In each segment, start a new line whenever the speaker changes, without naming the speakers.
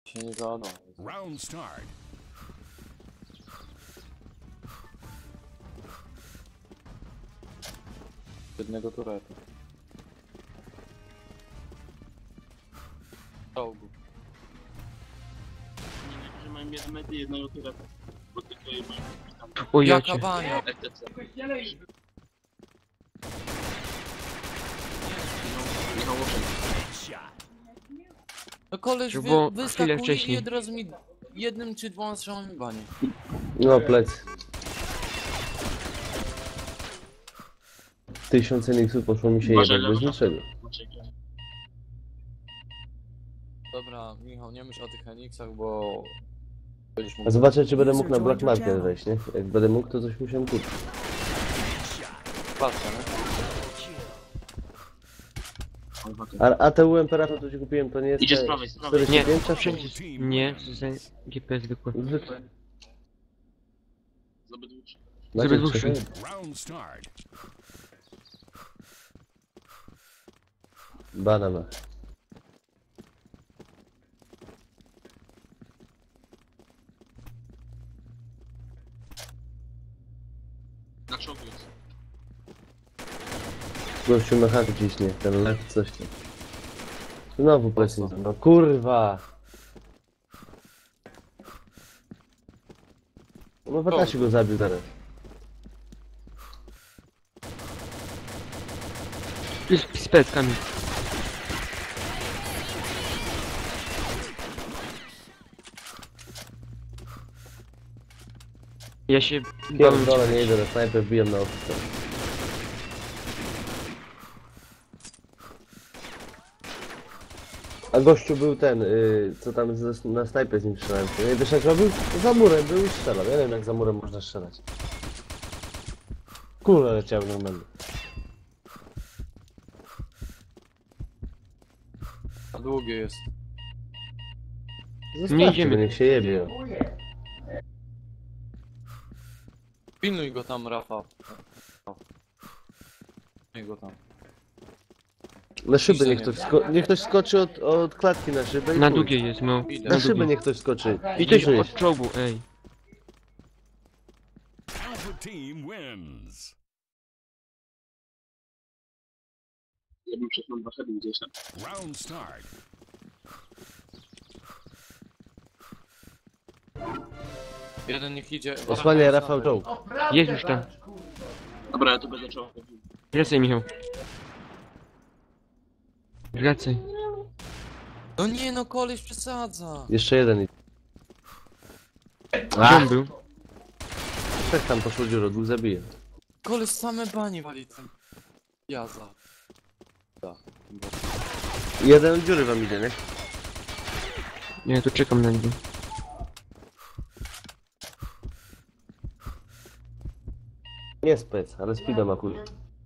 Się nie zada.
Round start.
Jednego turetu. Czołgu.
Niektórzy mają jedne mety, jednego tureta. Bo tylko je mają tam.
O ja
Jaka
cię.
bania!
FTC. Michał Łoszek.
No koleś
To było chwilę
wyskakuje i
wcześniej.
od razu mi jednym czy dwoma strzałami banie.
No plec. 1000 niksów poszło mi się
Uważaj,
jebać bez
lewo.
niczego.
Dobra, Michał, nie myśl o tych Eniksach, bo... Będziesz
A
mógł...
zobaczę, czy będę mógł na Black Market wejść, nie? Jak będę mógł, to coś musiałem kupić.
Patrzę, nie?
A te UMP-ra to ci kupiłem, to nie jest...
Idzie z
te
prawej, z prawej.
45
Nie,
czasem?
Nie, to jest GPS zwykły.
Zwykle.
Z obydwu.
Żeby dłuższy.
czekaj.
Round start.
Banana.
Na czołgu jest.
Gościu na hak ciśnie, ten lek coś tam. Znowu plecy. No kurwa! No Watashi go zabił teraz.
Z peckami. Ja się bałem.
Pierdolę, nie idę na snajper, wbijam na oficer. A gościu był ten, co tam na snajper z nim strzelałem. Nie wiesz jak robił? Za murem był i strzelał. Ja nie wiem jak za murem można strzelać. Kule leciały normalnie.
A długie jest.
Zostawcie
idziemy.
go, niech się jebie.
Pilnuj go tam, Rafał. Pilnuj go tam.
Na szybę niech ktoś skoczy od klatki na szybę i
Na
chuj.
długiej jest, no.
Idę.
Na
Na
szybę
długiej.
niech ktoś skoczy.
I coś
Bliżej.
od czołgu, ej.
Alpha team wins.
Ja bym przeszedł na 2 heady gdzieś tam.
Round start.
Jeden niech idzie.
Osłania Rafał czołg.
Jest już tam.
Dobra, ja tu będę czołgu.
Wracaj, Michał. Wracaj.
No nie no, koleś przesadza.
Jeszcze jeden.
Gdzie on był?
Trzech tam poszło dziurą, dwóch zabije.
Koleś same banie wali ten. Jaza. Da.
Jeden od dziury wam idzie, nie?
Ja tu czekam na niego.
Nie spec, ale speeda ma chuj.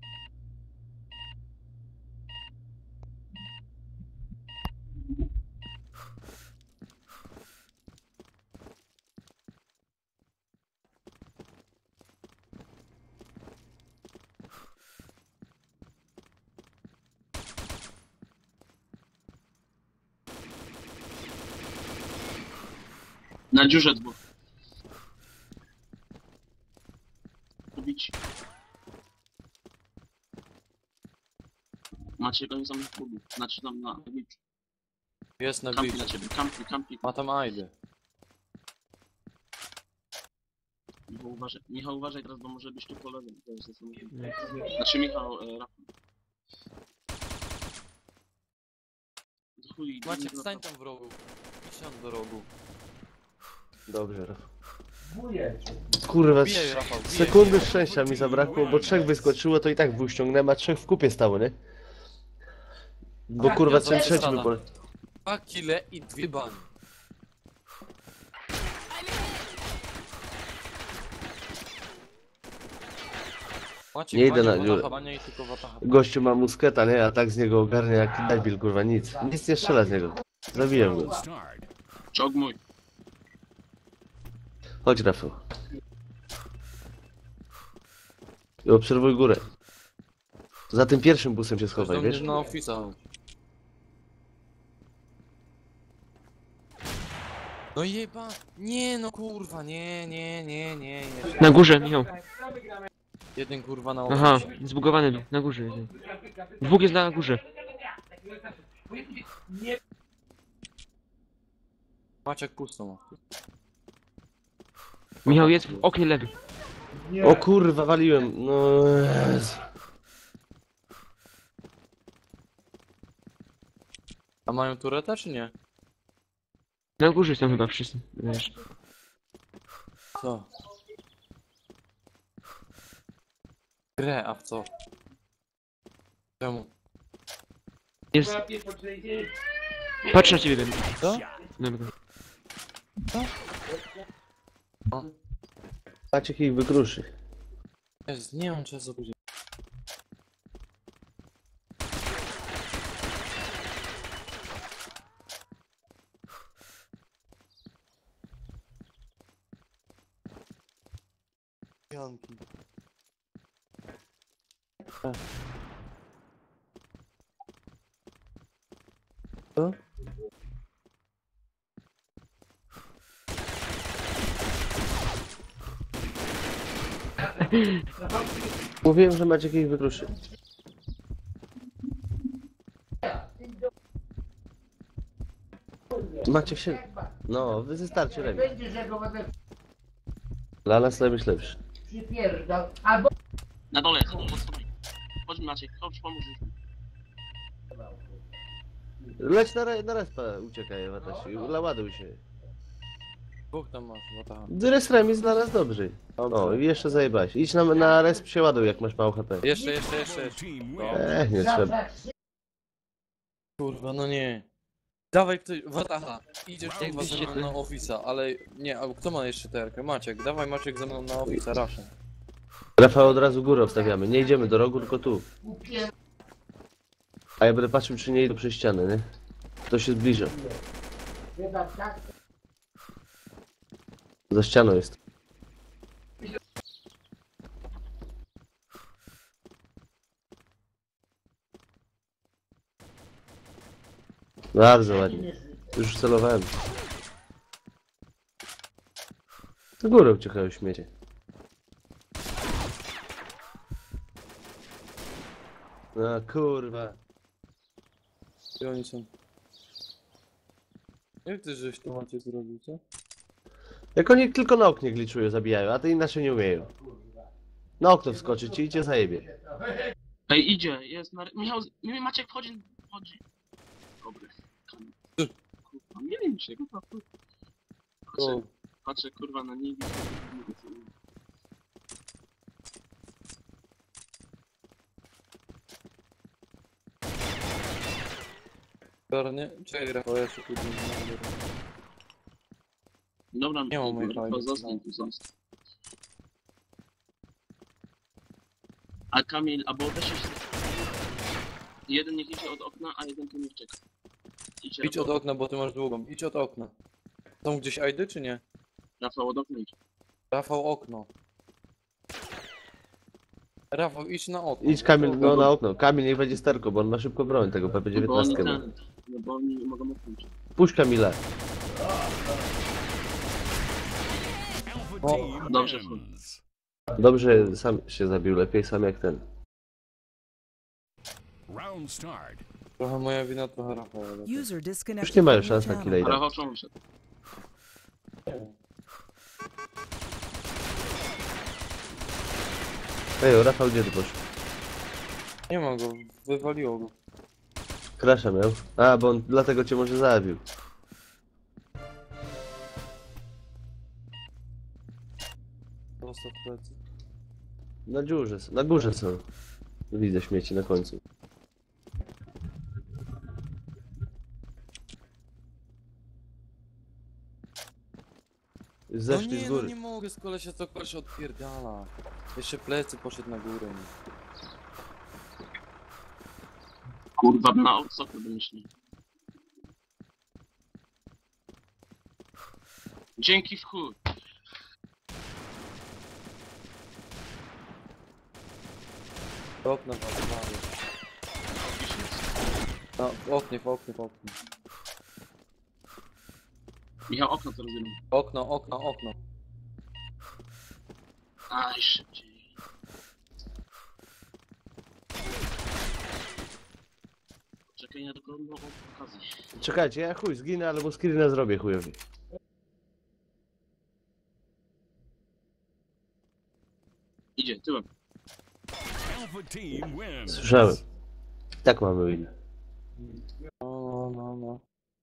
Na dziurze dwóch. Kubić. Macie go za mnie kubi. Znaczy tam na biczu.
Jest na
Kampi
biczu.
na ciebie, kampi.
Ma tam ajdy.
Michał uważaj teraz, bo może być tu po lewym. To jest zasadnicze. Znaczy Michał, Rafał. Chuj,
Maciek, stań tam w rogu. Idź do rogu.
Dobrze, Rafał. Kurwa,
Bijaj, Rafał, bijaj,
sekundy
bijaj.
szczęścia mi zabrakło, bo trzech wyskoczyło, to i tak dwóch ściągnąłem, a trzech w kupie stało, nie? Bo kurwa,
ja
ten trzeci
zasadam.
by pole...
2 kile i 2 bani. Maciek,
Nie idę
bania,
na dziurę.
bania i tylko wataha.
Gościu ma musketa, nie? A tak z niego ogarnia jak debil, kurwa, nic. Nic nie strzela z niego. Zabiłem go.
Round start.
Czołg mój.
Chodź, Rafał. I obserwuj górę. Za tym pierwszym busem się schowaj,
Do mnie
wiesz?
na ofisa. No jeba! Nie no kurwa, nie.
Na górze, Michał.
Jeden kurwa na
Aha,
oficie.
zbugowany był. Na górze jeden. Dwóch jest na górze.
Maciek pusto ma.
Michał jest w oknie lewy.
O kurwa, waliłem. No Jezu.
A mają tureta czy nie?
Na górze są chyba wszyscy. Wiesz.
Co? Grę, a w co? Czemu?
Jest. Patrz na ciebie, Ben.
Co?
Dobra.
Maciek ich wykruszy.
Jest, nie mam czasu później. Janki. Co?
Mówiłem, że Maciek ich wykruszy. Maciek się... No, wystarczy lepiej.
Będziesz jak go będę
Dla nas lepiej lepszy.
przypierdał. Albo
Na dole jest, pod schodami. Chodź Maciek, chodź pomóż.
Leć na respa, uciekaj, Watashi. Ładuj się.
Dwóch tam masz, no tak.
Res remis dla nas dobry. O, i jeszcze zajebałeś. Idź na resp się ładuj, jak masz mało HP.
Jeszcze.
Your team
No.
wins.
Nie trzeba.
zawsze
Kurwa, no nie. Dawaj ktoś, Wataha, idziesz
Jak
kurwa ze
byście
mną
ty-
na ofisa, ale nie, a kto ma jeszcze terkę? Maciek, dawaj Maciek ze mną na ofisa, raszę.
Rafał od razu górę obstawiamy. Nie idziemy do rogu, tylko tu.
kupiłem.
A ja będę patrzył, czy nie idą przez ścianę, nie? To się zbliża.
Chyba tak.
Za ścianą jest. Bardzo ładnie. Już celowałem. Do góry uciekają śmiecie. No kurwa.
Gdzie oni są? Jak ty żeś to Maciek zrobił, co?
Jak oni tylko na oknie gliczują, zabijają, a te inaczej nie umieją. Na okno wskoczyć i idzie zajebie.
Ej, idzie, jest na... Michał, Maciek wchodzi. Dobry. Kurwa, nie wiem się, kurwa.
O,
Patrzę kurwa na nich.
garnie? Czekaj, Rafał, ja się tu nie
Dobra,
Nie mam mojej
to
fajki,
zostań
no.
tu, zostań. A Kamil, albo weź się... Jeden niech idzie od okna, a jeden tu niech czeka. Idźcie,
Idź od okna, bo ty masz długą. Idź od okna. Są gdzieś ajdy, czy nie?
Rafał, od okna idź.
Rafał, okno. Rafał, idź na okno.
Idź Kamil, no na okno. Kamil niech będzie sterko, bo on ma szybko broń tego
Bo oni
PP-19.
ten... No bo oni nie mogą odpuścić.
Puść Kamila.
Alpha
O,
team
dobrze.
wins.
Dobrze, sam się zabił, lepiej sam jak ten.
Round start.
Trochę moja wina, trochę Rafał. ale
User disconnected
Już nie mają
from
szans
your
na
channel.
killa.
A Rafał czemu szedł?
Ej, Rafał gdzie ty poszł?
Nie ma go, wywaliło go.
Krasza miał. A, bo on dlatego cię może zabił.
Prosto w plecy.
Na dziurze, na górze są. Widzę śmieci na końcu.
No
Zeszli
nie,
z
no
góry.
nie mogę, z kolesia to koleś odpierdala. Jeszcze plecy poszedł na górę.
Kurwa, na odsoku wymyślił. Dzięki w chuj.
Do okna walczy. No, w oknie.
Michał, okno co rozumiem.
Okno.
Aj, szybciej. Czekaj na taką nową okazję.
Czekajcie, ja chuj, zginę, ale mu screena zrobię chujowi.
Idzie, tyłem.
Alpha team wins.
Słyszałem. Tak mamy win.
No.